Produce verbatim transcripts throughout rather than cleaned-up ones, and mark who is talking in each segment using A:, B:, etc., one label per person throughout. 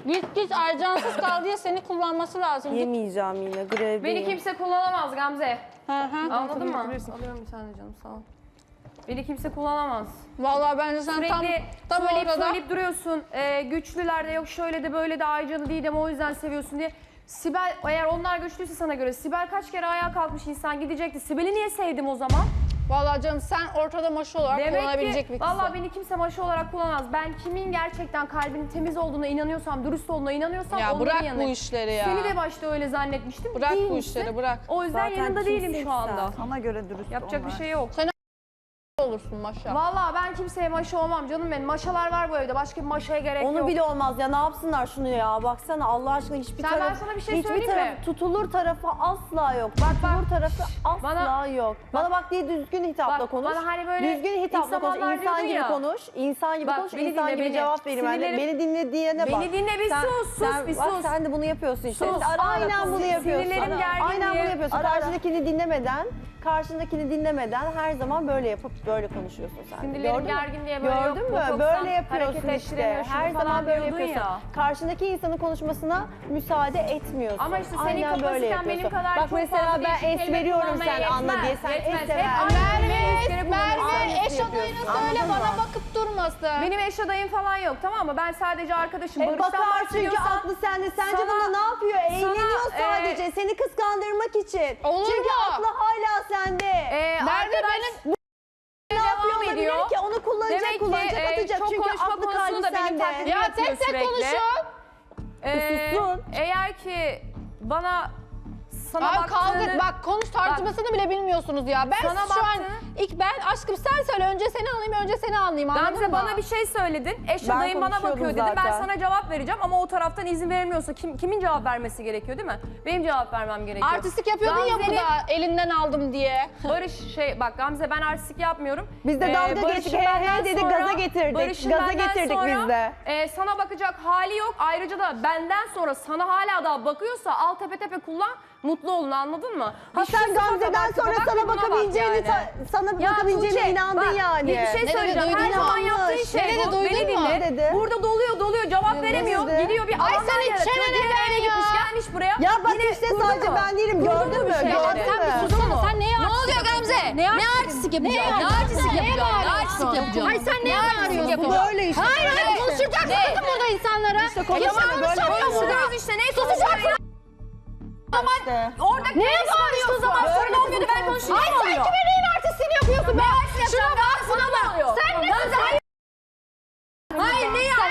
A: Git git Ercansız kal diye seni kullanması lazım. Git.
B: Yemeyeceğim yine grevdeyim.
C: Beni kimse kullanamaz Gamze.
A: Hı hı.
C: Anladın mı? Alıyorum bir tane canım sağ ol. Beni kimse kullanamaz.
A: Vallahi bence sen tam,
C: Sürekli
A: tam
C: söyleyip
A: ortada.
C: söyleyip duruyorsun. Ee, güçlülerde yok şöyle de böyle de Aycan'ı Didem'i o yüzden seviyorsun diye. Sibel eğer onlar güçlüyse sana göre Sibel kaç kere ayağa kalkmış insan gidecekti. Sibel'i niye sevdim o zaman?
A: Vallahi canım sen ortada maşa olarak
C: Demek
A: kullanabilecek
C: ki
A: bir kızsın.
C: vallahi beni kimse maşa olarak kullanamaz. Ben kimin gerçekten kalbinin temiz olduğuna inanıyorsam, dürüst olduğuna inanıyorsam
A: Ya
C: onların
A: bırak bu
C: yanındayım.
A: işleri ya.
C: Seni de başta öyle zannetmiştim.
A: Bırak bu
C: Değilmişsin.
A: işleri bırak.
C: O yüzden
B: Zaten
C: yanında değilim
B: kimsin
C: şu anda.
B: sen?
D: Sana göre dürüst
C: Yapacak
D: onlar.
C: bir şey yok.
A: Olursun maşa.
C: Vallahi ben kimseye maşa olmam canım benim. Maşalar var bu evde. Başka bir maşaya gerek
B: Onu
C: yok.
B: bile olmaz ya, ne yapsınlar şunu ya, baksana Allah aşkına hiçbir
C: Sen,
B: taraf,
C: ben sana bir şey
B: hiçbir
C: söyleyeyim
B: taraf,
C: mi?
B: tutulur tarafı asla yok. Bak, tutulur tarafı asla
C: bana-
B: yok. Bana bak diye düzgün hitapla
C: Bak,
B: konuş.
C: bana hani böyle
B: düzgün hitapla
C: ilk
B: konuş,
C: zamanlar
B: insan
C: diyordun
B: gibi
C: ya.
B: konuş, insan gibi
C: Bak,
B: konuş,
C: beni
B: insan
C: dinle,
B: gibi
C: beni.
B: cevap verin. Ben de,
C: Sinirlerim-
B: beni dinle diyene bak.
C: Beni dinle bir
B: Sen-
C: sus, sus
B: sen,
C: bir
B: bak,
C: sus.
B: sen de bunu yapıyorsun işte.
C: Sus,
B: Sen
C: ara ara
B: aynen
C: sus.
B: bunu yapıyorsun.
C: Sinirlerim gergin
B: Aynen
C: diye.
B: bunu yapıyorsun.
C: Ara ara.
B: Karşındakini dinlemeden, karşındakini dinlemeden her zaman böyle yapıp böyle konuşuyorsun sen.
C: Sinirlerim
B: Gördün mü?
C: gergin diye böyle
B: Gördün
C: yok,
B: mü?
C: bu çok
B: Böyle
C: sen
B: yapıyorsun
C: hareket
B: işte.
C: ettiremiyor, şunu
B: Her
C: falan
B: zaman böyle
C: diyordun
B: yapıyorsun.
C: ya.
B: Karşındaki insanın konuşmasına müsaade etmiyorsun.
C: Ama işte senin
B: Aynen
C: kapasiten
B: böyle
C: benim
B: yapıyorsun.
C: kadar
B: Bak
C: çok
B: mesela
C: fazla
B: ben
C: değişik
B: es
C: kelime
B: veriyorum
C: kullanmaya
B: sen anla
C: yetmez,
B: diye. Sen
C: yetmez.
B: es
C: Hep
B: sever.
C: aynı kelimeyi yüz
A: Merve,
C: kere
A: Merve
C: kullanıyorsun.
A: eş adayına söyle
B: Anladın
A: bana
B: mı?
A: bakıp durmasın.
C: Benim eş adayım falan yok tamam mı? Ben sadece arkadaşım.
B: E
C: Barış'tan
B: bakar çünkü
C: bahsediyorsan
B: aklı sende. Sence
C: sana-
B: bunda ne yapıyor? Eğleniyor
C: sana,
B: sadece.
C: e,
B: Seni kıskandırmak için.
A: Olur
B: çünkü
A: mu?
B: aklı hala sende.
C: e,
A: Merve
C: arkadaş
A: benim
B: ne yapıyor
C: devam ediyor.
B: olabilir ki? Onu kullanacak,
C: Demek ki
B: kullanacak,
C: e,
B: atacak.
C: çok
B: çünkü
C: konuşma
B: aklı
C: konusunu
B: kalbi
C: da benim
B: sende.
C: taklidimi
A: Ya
C: yapıyor
A: tek tek
C: sürekli.
A: konuşun.
C: Ee,
B: Sussun.
C: Eğer ki bana sana
A: Abi
C: baktığını...
A: kavga bak konuş tartışmasını bile bilmiyorsunuz ya. Ben
C: Sana
A: şu an
C: baktığını-
A: ilk ben aşkım sen söyle önce seni alayım önce seni anlayayım anladın
C: Gamze
A: mı?
C: bana bir şey söyledin. Eş
B: Ben
C: adayım bana
B: konuşuyordum
C: bakıyor dedi. Ben
B: zaten.
C: sana cevap vereceğim ama o taraftan izin verilmiyorsa kim, kimin cevap vermesi gerekiyor değil mi? Benim cevap vermem gerekiyor.
A: Artistik yapıyordun ya
C: Gamze'nin-
A: burada elinden aldım diye.
C: Barış şey bak Gamze ben artistik yapmıyorum.
B: Biz de
C: Ee,
B: dalga
C: Barış'ın
B: geçtik, he he
C: benden
B: dedik,
C: sonra-
B: gaza getirdik.
C: Barış'ın
B: Gaza
C: benden
B: getirdik
C: sonra,
B: biz de.
C: e, sana bakacak hali yok. Ayrıca da benden sonra sana hala daha bakıyorsa al tepe tepe kullan. Mutlu olun anladın mı?
B: Ha
C: Bir
B: sen
C: şu sıfata
B: Gamze'den
C: bak,
B: sonra
C: bak,
B: sana
C: buna bak
B: bakabileceğini,
C: yani.
B: ta- sana
C: Ya
B: bakabileceğine
C: Tuğçe,
B: inandın
C: bak,
B: yani.
C: Bir şey
A: dedi,
C: söyleyeceğim.
A: duydun
C: Her
A: mu?
C: zaman
B: Yanlış.
C: yaptığı şey
A: Ne dedi,
C: bu.
A: duydun
C: Beni
A: mu?
C: dinle.
B: Ne dedi?
C: Burada doluyor doluyor cevap veremiyor.
B: dedi?
C: Gidiyor bir
A: Ay
C: alandan
A: senin
C: yaratıyor.
A: çenen
C: Diğer
A: neden
C: eve gitmiş
A: ya?
C: gelmiş buraya.
B: Ya bak
C: Yine
B: işte
C: kurdu
B: sadece
C: mu?
B: ben değilim,
C: Kurdu
B: gördün
C: mu
B: mü?
C: bir şeyleri?
B: Gördün
A: Sen bir
B: mü?
A: sussana sen neye
E: Ne oluyor Gamze? Ne, artistik yapacağım? Ne artistik yapacağım? Ne artistik yapacağım?
A: Ay sen neye bağırıyorsun?
B: Bu böyle işte.
A: Hayır hayır konuşacaksın kızım burada insanlara. İşte
B: konuşalım, böyle
C: Konuşuyoruz işte ne konuşuyoruz?
B: İşte.
C: Orada neye bağırıyorsun? O zaman sorun olmuyordu ben konuşuyorum.
A: Ay sen kime neyin artistliğini yapıyorsun be?
C: Şuna bak sana ne oluyor?
A: Sen ne
C: Hayır. Hayır ne ya?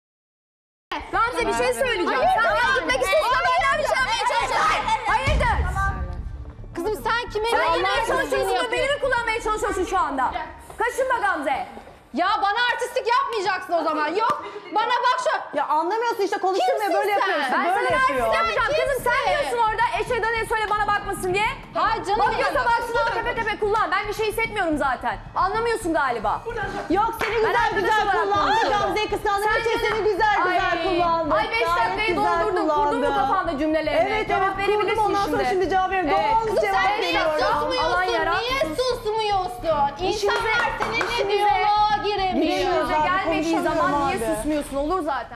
C: Gamze bir şey söyleyeceğim. Sen bana gitmek istiyorsan benden bir şey yapmaya çalışıyorsun. Hayırdır?
A: Kızım sen kime
C: Sen
A: neyin
C: yine
A: artistliğini
C: çalışıyorsun da beni
A: yapıyorsun?
C: mi kullanmaya çalışıyorsun şu anda? Kaşınma Gamze.
A: Ya bana artistlik yapmayacaksın o zaman. Yok bana bak şu.
B: Ya anlamıyorsun işte, konuşturmaya
A: Kimsin
B: böyle
A: sen?
B: yapıyor işte,
C: Ben
B: böyle
C: sana
B: yapıyor.
C: artist yapacağım. Kızım sen
A: kimsin?
C: diyorsun orada eşe ne söyle bana bakmasın diye.
A: Hayır canım
C: Bakıyorsa
A: ya.
C: baksın al tepe tepe kullan. Ben bir şey hissetmiyorum zaten. Anlamıyorsun galiba.
B: Yok seni güzel
C: arkadaş
B: güzel
C: olarak
B: kullandı.
C: konuşuyorum.
B: Gamze'yi kıskandırmak için
C: Sen
B: seni güzel güzel
C: Ay,
B: kullandı.
C: Ay beş
B: Gayet
C: dakikayı
B: güzel
C: doldurdun. Kurdun mu
B: kullandı.
C: kafanda cümlelerini?
B: Evet
C: Cevap
B: evet kurdum,
C: verebilirsin
B: ondan sonra şimdi cevap veriyorum.
C: Evet.
B: Doğal
C: Kızım,
B: cevap
C: sen
A: Niye
C: veriyorum.
B: veriyorum.
C: Alan
A: susmuyorsun?
C: yarat.
A: Niye susmuyorsun? İnsanlar
C: İşinize-
A: seninle
C: işinize-
A: diyaloğa giremiyor.
B: Giremiyoruz
C: İşinize
B: abi,
C: gelmediği
B: konuşamıyorum
C: zaman niye
B: abi.
C: susmuyorsun? Olur zaten.